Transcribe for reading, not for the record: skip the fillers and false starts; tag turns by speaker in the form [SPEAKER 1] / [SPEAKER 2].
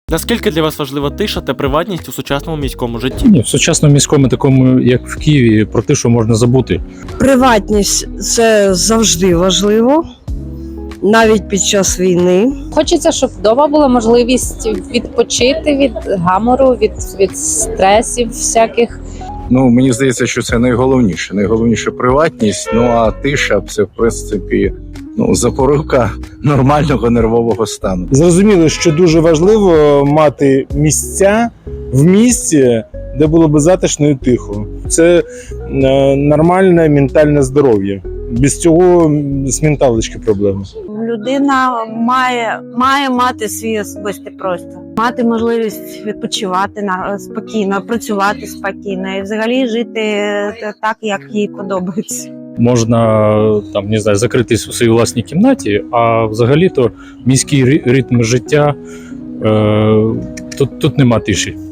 [SPEAKER 1] Наскільки для вас важлива тиша та приватність у сучасному міському житті?
[SPEAKER 2] Ні, в сучасному міському, такому як в Києві, про тишу можна забути.
[SPEAKER 3] Приватність – це завжди важливо, навіть під час війни.
[SPEAKER 4] Хочеться, щоб вдома була можливість відпочити від гамору, від стресів всяких.
[SPEAKER 5] Ну, мені здається, що це найголовніше. Найголовніше приватність, ну а тиша – це, в принципі, запорука нормального нервового стану.
[SPEAKER 6] Зрозуміло, що дуже важливо мати місця в місті, де було би затишно і тихо. Це нормальне ментальне здоров'я. Без цього з менталочки проблеми.
[SPEAKER 7] Людина має мати свій особистий простір, мати можливість відпочивати спокійно, працювати спокійно і взагалі жити так, як їй подобається.
[SPEAKER 2] Можна там, не знаю, закритись у своїй власній кімнаті, а взагалі-то міський ритм життя, тут нема тиші.